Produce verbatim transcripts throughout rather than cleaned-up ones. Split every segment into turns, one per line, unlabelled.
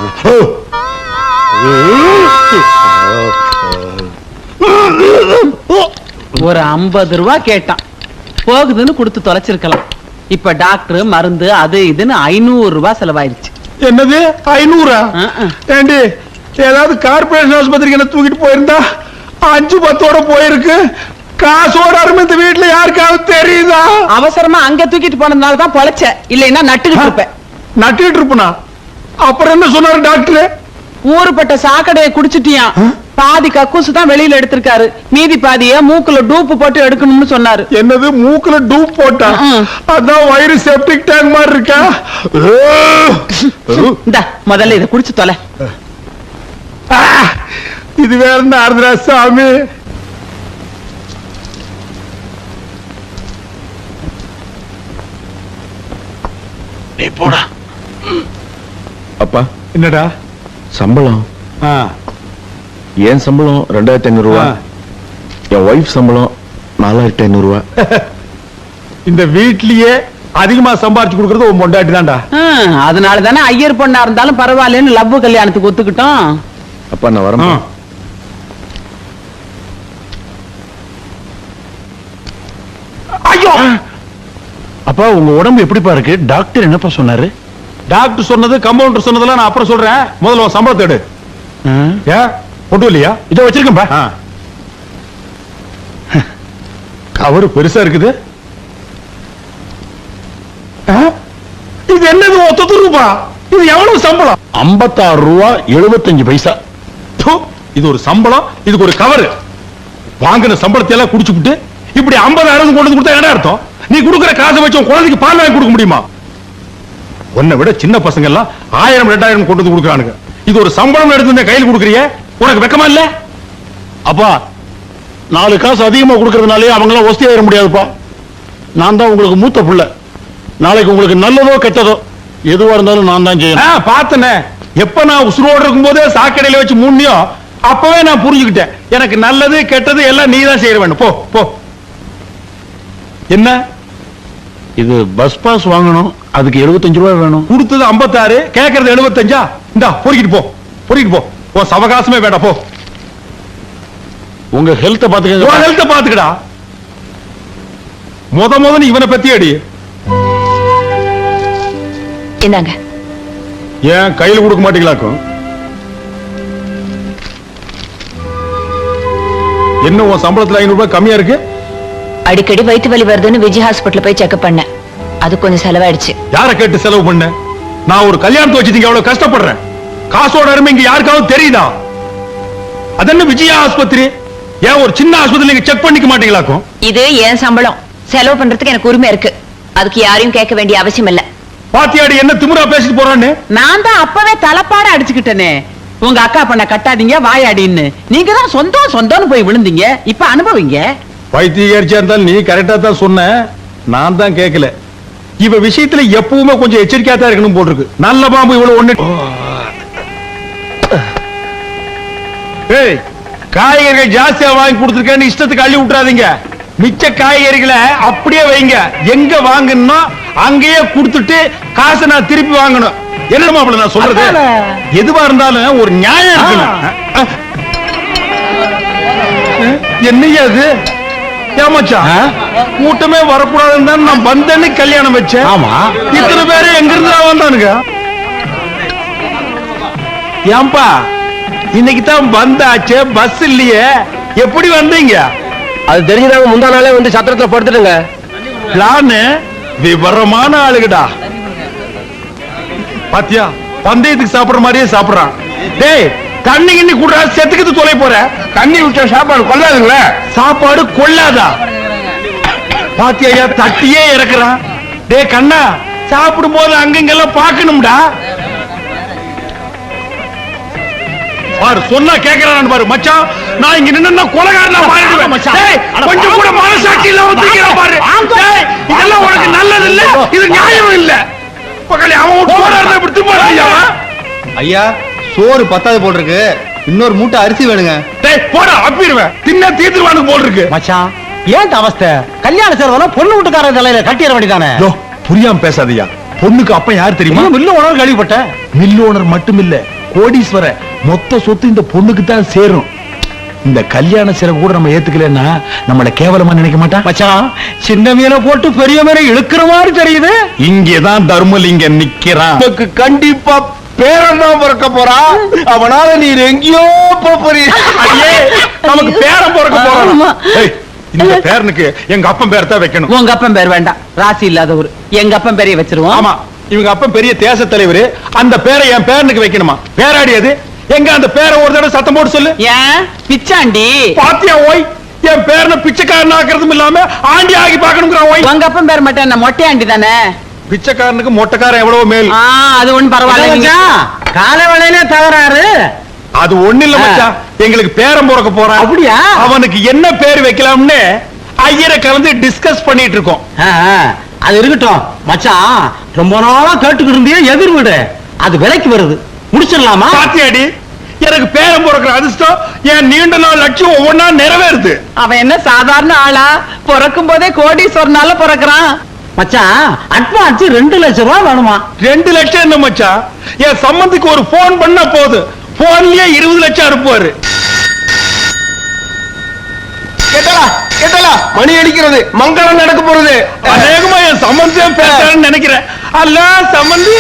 ஒரு ஐம்பது ரூபா கேட்டான், போகுதுன்னு கொடுத்து தொலைச்சிருக்கலாம். இப்ப டாக்டர் மருந்து அது இதுன்னு ஐநூறு ரூபாய் செலவாயிருச்சு.
என்னது ஐநூறா? ஏண்டி ஏதாவது கார்பரேஷன் ஆஸ்பத்திரிக்கு என்ன தூக்கிட்டு போயிருந்தா அஞ்சு பத்தோட போயிருக்கு. காசோட அருமை இந்த வீட்டுல யாருக்காவது தெரியுதா?
அவசரமா அங்க தூக்கிட்டு போனதுனால தான் பொழைச்ச, இல்லைன்னா நட்டுக்கிட்டு இருப்பேன்.
நட்டுக்கிட்டு இருப்பனா? அப்புறம் என்ன சொன்னாரு டாக்டர்?
ஊருப்பட்ட சாக்கடையை குடிச்சிட்டியான், பாதி கக்கூசு தான் வெளியில எடுத்திருக்காரு, மீதி பாதிய மூக்குல டூப்பு போட்டு எடுக்கணும்னு சொன்னாரு.
என்னது மூக்குல டூப் போட்டா? அதான் வயிறு செப்டிக் டேங்க் மாதிரி இருக்கா?
இந்த முதல்ல இதை குடிச்சு தொலை.
இது வேற என்ன ஆறுதுரா சாமி?
போடா. அப்பா
என்னடா
சம்பளம்? என் சம்பளம் ரெண்டாயிரத்தி ஐநூறு ரூபா, என் ஒய்ஃப் சம்பளம் நாலாயிரத்தி ஐநூறு ரூபா.
இந்த வீட்லயே அதிகமா சம்பாரிச்சு கொடுக்கறது உன் பொண்டாட்டி தான்டா.
அதனால தானே ஐயர் பொண்ணா இருந்தாலும் பரவாயில்லன்னு லவ் கல்யாணத்துக்கு ஒத்துக்கிட்டோம்.
அப்பா நான் வரேன்.
ஐயோ
அப்பா உங்க உடம்பு எப்படிப்பா இருக்கு? டாக்டர் என்னப்பா சொன்னாரு?
டாக்டர் சொன்னது கம்பவுண்டர் சொன்னதெல்லாம் நான் அப்புறம் சொல்றேன். முதல்ல உன் சம்பளத்தை எடு. ஏன் கொண்டு இல்லையா?
இதோ வச்சிருக்கேன்பா.
கவரு பெருசா இருக்குது. இது என்னது ஒத்த ரூபா? இது எவ்வளவு சம்பளம்?
ஐம்பத்தாறு ரூபா எழுபத்தஞ்சு பைசா.
இது ஒரு சம்பளம், இதுக்கு ஒரு கவரு. வாங்கின சம்பளத்தை எல்லாம் குடிச்சுட்டு இப்படி ஐம்பதாயிரம் கொண்டு கொடுத்தா என்ன அர்த்தம்? நீ கொடுக்கிற காசை வச்சு குழந்தைக்கு பால் வாங்கி கொடுக்க முடியுமா? உன்னை விட சின்ன பசங்க எல்லாம் ஆயிரம் ரெண்டாயிரம் கொண்டு வந்து கொடுக்குறானுங்க. இது ஒரு சம்பளம் எடுத்து கையில் கொடுக்குறிய, உனக்கு வெக்கமா இல்ல?
அப்பா நாலு காசு அதிகமா கொடுக்கறதுனாலே அவங்க எல்லாம் ஒஸ்தி ஆயிட முடியாதுப்பா. நான் தான் உங்களுக்கு மூத்த புள்ள. நாளைக்கு உங்களுக்கு நல்லதோ கெட்டதோ எதுவா இருந்தாலும் நான் தான் செய்யணும்.
பார்த்தனே, எப்ப நான் உசுரோடு இருக்கும் போதே சாக்கடையில வச்சு மூணியோ அப்பவே நான் புரிஞ்சுக்கிட்டேன். எனக்கு நல்லது கெட்டது எல்லாம் நீ தான் செய்ய வேண்டும். போ போ. என்ன
இது பஸ் பாஸ் வாங்கணும், அதுக்கு எழுபத்தஞ்சு ரூபாய் வேணும்.
கொடுத்தது ஐம்பத்தாறு, கேட்கறது எழுபத்தஞ்சா? இந்தா பொறுக்கிட்டு போ, பொறுக்கிட்டு போ. உன் சவகாசமே வேண்டாம், போ.
உங்க ஹெல்த் பாத்துக்க.
உன் ஹெல்த் பாத்துக்கடா. முத முத நீ இவனை பத்தி அடி.
என்னங்க
ஏன் கையில கொடுக்க மாட்டீங்களாக்கும்? என்ன உன் சம்பளத்துல ஐநூறு ரூபாய் கம்மியா இருக்கு?
அடிக்கடி வயிற்று வலி வருதுன்னு விஜய் ஹாஸ்பிட்டல் போய் செக்அப் பண்ணேன், அது கொஞ்சம் செலவாயிடுச்சு.
யார கேட்டு செலவு பண்ண? நான் ஒரு கல்யாணத்தை வச்சுட்டீங்க, எவ்வளவு கஷ்டப்படுறேன். காசோட அருமை இங்க யாருக்காவது தெரியுதா? அதென்ன விஜயா ஆஸ்பத்திரி? ஏன் ஒரு சின்ன ஆஸ்பத்திரி நீங்க செக் பண்ணிக்க மாட்டீங்களாக்கும்?
இது என் சம்பளம், செலவு பண்றதுக்கு எனக்கு உரிமை இருக்கு. அதுக்கு யாரையும் கேட்க வேண்டிய அவசியம் இல்ல.
பாத்தியாடி என்ன திமிரா பேசிட்டு போறான்னு?
நான் தான் அப்பவே தலைப்பாட அடிச்சுக்கிட்டேனே, உங்க அக்கா பண்ண கட்டாதீங்க வாயாடின்னு. நீங்க தான் சொந்தம் சொந்தம்னு போய் விழுந்தீங்க, இப்ப அனுபவிங்க.
வைத்தியரிச்சா இருந்தாலும் நீ கரெக்டா தான் சொன்ன, நான் தான் கேட்கல. இவ விஷயத்துல எப்பவுமே கொஞ்சம் எச்சரிக்கையா தான் இருக்கணும் போட்டிருக்கு. நல்ல பாம்பு இவ்வளவு ஒண்ணு. ஏய், காய்கறிகள் ஜாஸ்தியா வாங்கி கொடுத்துருக்கேன்னு இஷ்டத்துக்கு அள்ளி விட்டுறாதீங்க. மிச்ச காய்கறிகளை அப்படியே வைங்க. எங்க வாங்கணும் அங்கேயே கொடுத்துட்டு காசை நான் திருப்பி வாங்கணும். என்ன மாப்பிள்ள நான் சொல்றது? எதுவா இருந்தாலும் ஒரு நியாயம் இருக்கணும். என்னையா அது? ஏமாச்சா கூட்டமே வரக்கூடாதுன்னு தான் நான் வந்தேன்னு கல்யாணம் வச்சேன்.
ஆமா,
இத்தனை பேரு எங்க இருந்து வந்தானுங்க? ஏன்பா இன்னைக்கு தான் வந்தாச்சு, பஸ் இல்லையே, எப்படி வந்தீங்க?
அது தெரிஞ்சுதாங்க முந்தா நாளே வந்து சத்திரத்துல படுத்துட்டுங்க.
பிளான் விவரமான ஆளுகடா. பாத்தியா, பந்தயத்துக்கு சாப்பிடுற மாதிரியே சாப்பிடுறான். டேய் தண்ணி கிண்ணி குடுறா, செத்துக்கிட்டு தொலை போற. தண்ணி விட்ட சாப்பாடு கொள்ளாதுங்களே. சாப்பாடு கொள்ளாதா? பாத்தியா தட்டியே இறக்குறான். டேய் கண்ணா, சாப்பிடும் போது அங்கங்கெல்லாம் பாக்கணும்டா. பாரு சொன்னா கேக்குறான் பாரு. மச்சான் நான் இங்க நின்னா கொலைகாரனா மாறிடுவேன். டேய் கொஞ்சம் கூட மனசாட்சி இல்ல ஒதுக்கிற பாரு. டேய் இதெல்லாம் உனக்கு நல்லது இல்ல, இது நியாயம் இல்ல. பக்கத்துல அவன் போறானே இப்படி திரும்பாதீங்க.
ஐயா சோறு பத்தாது போல் இருக்கு, இன்னொரு மூட்டை அரிசி வேணுங்க.
டேய் போடா, அப்பிடுவேன். தின்ன தீத்துவானுக்கு போல் இருக்கு.
மச்சான் ஏன் அவஸ்தை? கல்யாண செலவனா பொண்ணு வீட்டுக்காரர் தலையில கட்டிட வேண்டியதானே.
புரியாம பேசாதீயா. பொண்ணுக்கு அப்ப யார் தெரியுமா?
இல்ல உணவு கேள்விப்பட்டேன்.
மில் ஓனர் மட்டும் இல்ல கோடீஸ்வர மொத்த சொத்து இந்த பொண்ணுக்கு தான் சேரும். இந்த கல்யாண செலவு கூட நம்ம ஏத்துக்கலன்னா நம்மள கேவலமா நினைக்க மாட்டான்.
மச்சான் சின்ன மீனை போட்டு பெரிய மீனை இழுக்கிற மாதிரி தெரியுது.
இங்கதான் தர்மலிங்கம் நிக்கிறான்.
உனக்கு கண்டிப்பா பேரன் தான் பிறக்க போறா. அவனால நீர் எங்கேயோ போறீ.
நமக்கு பேரன் பிறக்க போறான்.
ஆமா.
ஏய், இந்த பேரனுக்கு எங்க அப்பன் பேர் தான் வைக்கணும்.
உங்க அப்பன் பேர் வேண்டாம், ராசி இல்லாதவர். எங்க அப்பன் பேரைய வச்சிருவோம்.
ஆமா, இவங்க அப்பன் பெரிய தேச தலைவர். அந்த பேரை என் பேரனுக்கு வைக்கணுமா? பேராடியது எங்க? அந்த பேரை ஒரு தடவை சத்தம் போட்டு சொல்லு.
ஏன் பிச்சாண்டி?
பாத்தியா ஓய், என் பேரனை பிச்சைக்காரன் ஆக்குறதும் இல்லாம ஆண்டி ஆகி பாக்கணுங்கிறான் ஓய்.
உங்க அப்பன் பேர் மட்டும் என்ன மொட்டையாண்டி தானே?
பிச்சைக்காரனுக்கு மொட்டைக்காரன் எவ்வளவு மேல்.
ஆ, அது ஒண்ணும் பரவாயில்ல.
கால வேளையில தகராறு.
அது ஒண்ணு இல்ல மச்சான், எங்களுக்கு பேரன் பிறக்க போறான்.
அப்படியா?
அவனுக்கு என்ன பேர் வைக்கலாம்னு ஐயரை கலந்து டிஸ்கஸ் பண்ணிட்டு இருக்கோம்.
அது இருக்கட்டும் மச்சான், ரொம்ப நாளா கேட்டுக்கிட்டு இருந்தே எதிர் வீடு அது விலைக்கு வருது, முடிச்சிடலாமா?
பாத்தியாடி, எனக்கு பேரன் பிறக்கிற அதிர்ஷ்டம் என் நீண்ட நாள் லட்சியம் ஒவ்வொன்னா நிறைவேறுது.
அவன் என்ன சாதாரண ஆளா? பிறக்கும் போதே கோடீஸ்வரனால பிறக்கிறான்.
மச்சான் அட்வான்ஸ் ரெண்டு லட்சம் ரூபாய் வேணுமா?
ரெண்டு லட்சம் என்ன மச்சான், என் சம்பந்திக்கு ஒரு போன் பண்ணா போது போன்லயே இருபது லட்சம் அனுப்புவாரு.
கேட்டலா கேட்டலா, மணி அடிக்கிறது, மங்களம் நடக்க போறது.
அநேகமா என் சம்பந்தியம் பேசுறேன்னு நினைக்கிறேன். ஹலோ சம்பந்தி.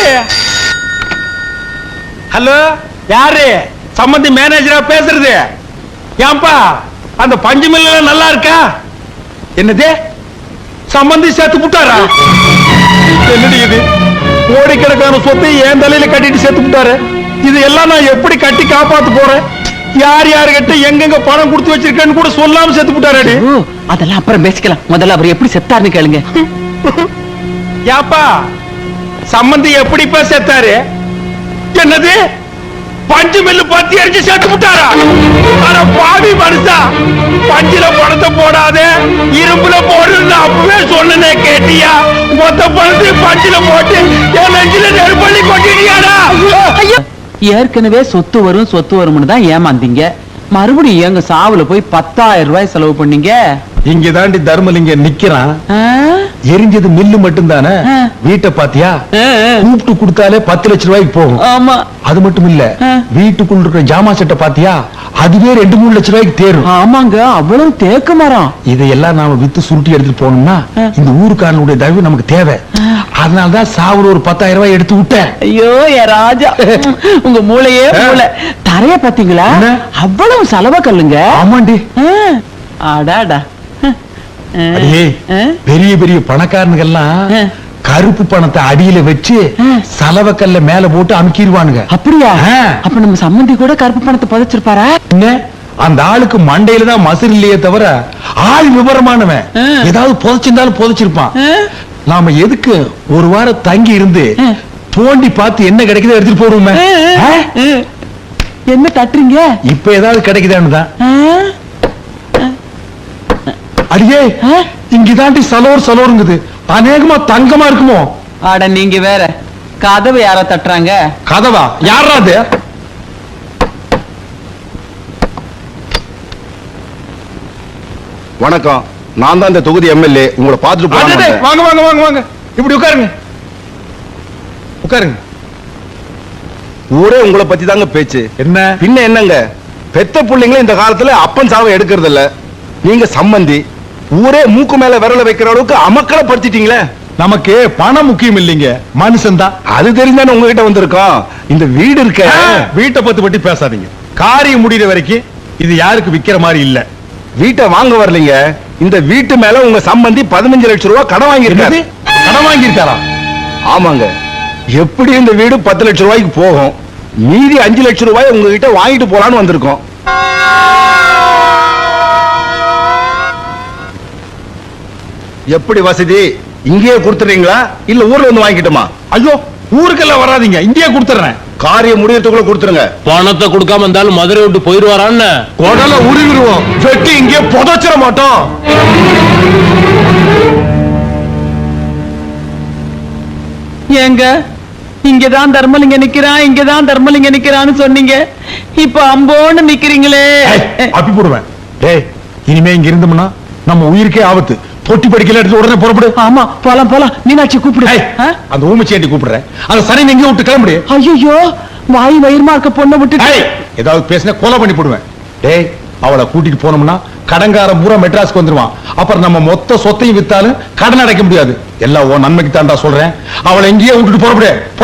ஹலோ, யாரு? சம்பந்தி மேனேஜரா பேசுறது? ஏன்பா அந்த பஞ்சு மில்ல நல்லா இருக்கா? என்னது, சம்பந்தி சேர்த்து விட்டாரா? என்னடி இது, கோடிக்கணக்கான சொத்தை என் தலையில கட்டிட்டு சேர்த்து விட்டாரு. இது எல்லாம் நான் எப்படி கட்டி காப்பாத்து போறேன்? யார் யாருகிட்ட எங்கெங்க பணம் கொடுத்து வச்சிருக்கேன்னு கூட சொல்லாம சேர்த்து விட்டாரு.
ஓ, அதெல்லாம் அப்புறம் பேசிக்கலாம். முதல்ல அவர் எப்படி செத்தாருன்னு கேளுங்க.
யாப்பா சம்பந்தி எப்படிப்பா செத்தாரு? என்னது, பஞ்சு மில்லு பத்தி அடிச்சு சேர்த்து விட்டாரா? ஆனா பாவி மனுஷா, பஞ்சுல பணத்தை போடாதே இரும்புல போடுன்னு அப்பவே சொன்னனே, கேட்டியா? மொத்த பணத்தை பஞ்சுல போட்டு என் நெஞ்சில நெருப்பள்ளி கொட்டிட்டியாடா?
ஏற்கனவே சொத்து வரும் சொத்து வரும்னு தான் ஏமாந்தீங்க. மறுபடியும் எங்க சாவுல போய் பத்தாயிரம் ரூபாய் செலவு பண்ணீங்க.
இங்க தாண்டி தர்மலிங்கம் நிக்கிறான்.
ஆ?
எரிஞ்சது மில்லு மட்டும் தானே,
ஆ.
வீட்டை பாத்தியா?
ஆ, ஆ.
கூப்பிட்டு கொடுத்தாலே பத்து லட்சம் ரூபாய்க்கு போகும்.
ஆமா.
அது மட்டும் இல்ல,
ஆ.
வீட்டுக்குள்ள இருக்கிற ஜாமா செட்டை பாத்தியா? அதுவே ரெண்டு மூணு லட்சம் ரூபாய்க்கு தேரும்.
ஆமாங்க, அவ்வளவு தேக்க மரம்.
இதையெல்லாம் நாம வித்து சுருட்டி எடுத்துட்டு போனோம்னா
ஆ.
இந்த ஊருக்காரனுடைய தயவு நமக்கு தேவை. அதனாலதான் சாவுல ஒரு பத்தாயிரம் ரூபாய் எடுத்து விட்டேன்.
ஐயோ என் ராஜா, உங்க மூளையே மூளை. தரைய பாத்தீங்களா?
என்ன?
அவ்வளவு செலவ கல்லுங்க.
ஆமாண்டி.
ஆ. அடாடா. ஆ.
அடியே,
ஆ.
பெரிய பெரிய பணக்காரனுங்கெல்லாம்
ஆ.
கருப்பு பணத்தை அடியில வச்சு
ஆ.
சலவக்கல்ல மேல போட்டு அமுக்கிடுவானுங்க.
அப்படியா?
ஆ.
அப்ப நம்ம சம்மந்தி கூட கருப்பு பணத்தை புதைச்சிருப்பாரா?
என்ன, அந்த ஆளுக்கு மண்டையில தான் மசில் இல்லையே தவிர ஆள் விவரமானவன்.
ஆ.
ஏதாவது புதைச்சிருந்தாலும் புதைச்சிருப்பான்.
ஆ.
நாம எதுக்கு ஒரு வாரம் தங்கி இருந்து
ஆ.
தோண்டி பார்த்து என்ன கிடைக்குதோ எடுத்துட்டு போடுவோமே.
ஆ.
ஆ?
ஆ. என்ன தட்டுறீங்க?
இப்ப ஏதாவது கிடைக்குதான்னு தான்.
ஆ?
அடியே,
ஆ?
இங்கதாண்டி சலோர் சலோருங்குது. அநேகமா தங்கமா இருக்குமோ?
அட நீங்க வேற, கதவு யாரோ தட்டுறாங்க.
கதவா? யாரா அது?
வணக்கம், நான் தான் இந்த தொகுதி எம்எல்ஏ. உங்களை பார்த்துட்டு
அடடே,
போறேன்.
வாங்க வாங்க வாங்க வாங்க, இப்படி உட்காருங்க உட்காருங்க.
ஊரே உங்களை பத்தி தாங்க பேச்சு.
என்ன
பின்ன என்னங்க, பெத்த பிள்ளைங்களும் இந்த காலத்துல அப்பன் சாவை எடுக்கிறது இல்ல. நீங்க சம்பந்தி, ஊரே மூக்கு மேல விரல வைக்கிற அளவுக்கு அமக்களை படுத்திட்டீங்களே.
நமக்கு பணம் முக்கியம் இல்லைங்க, மனுஷன் தான்.
அது தெரிஞ்சானே உங்ககிட்ட வந்திருக்கோம். இந்த வீடு இருக்க,
வீட்டை பத்தி பத்தி பேசாதீங்க. காரியம் முடிகிற வரைக்கும் இது யாருக்கு விக்கிற மாதிரி இல்ல.
வீட்டை வாங்க வரலீங்க, இந்த வீட்டு மேல உங்க சம்பந்தி பதினஞ்சு லட்சம் ரூபாய் கடன் வாங்கியிருக்காரு.
என்னது? கடன் வாங்கியிருக்காரா?
ஆமாங்க, எப்படி இந்த வீடு பத்து லட்சம் ரூபாய்க்கு போகும், மீதி அஞ்சு லட்சம் ரூபாய் உங்ககிட்ட வாங்கிட்டு போலான்னு வந்திருக்கோம். எப்படி வசதி, இங்கேயே கொடுத்துறீங்களா இல்ல ஊர்ல வந்து வாங்கிக்கிட்டுமா?
ஐயோ, ஊருக்கெல்லாம் வராதீங்க, இங்கேயே கொடுத்துறேன்.
காரியம் முடியறதுக்குள்ள கொடுத்துருங்க.
பணத்தை கொடுக்காம இருந்தாலும் மதுரை விட்டு போயிருவாரான்னு
உடல உருவிடுவோம், வெட்டி இங்கே புதைச்சிட மாட்டோம்.
ஏங்க, இங்கதான் தர்மலிங்க நிக்கிறான், இங்கதான் தர்மலிங்க நிக்கிறான்னு சொன்னீங்க. இப்ப அம்போன்னு நிக்கிறீங்களே.
ஏய், அப்பி போடுவேன். டேய், இனிமே இங்க இருந்தோம்னா நம்ம உயிருக்கே ஆபத்து. தொட்டி படிக்கல எடுத்து உடனே புறப்படு.
ஆமா போலாம் போலாம். மீனாட்சி கூப்பிடு.
ஏய், அந்த ஊமச்சேட்டி கூப்பிடுறேன். அந்த சனி எங்கேயும் விட்டு கிளம்புடி.
ஐயோ வாய் வயிறுமா இருக்க பொண்ணை விட்டு
ஏய், ஏதாவது பேசினா கொலை பண்ணி போடுவேன். டேய், அவளை கூட்டிட்டு போனோம்னா கடன்காரன் பூரா மெட்ராஸ்க்கு வந்துருவான். அப்புறம் நம்ம மொத்த சொத்தையும் வித்தாலும் கடன் அடைக்க முடியாது. எல்லாம் உன் நன்மைக்கு தான்டா சொல்றேன். அவளை எங்கேயே விட்டுட்டு புறப்படு.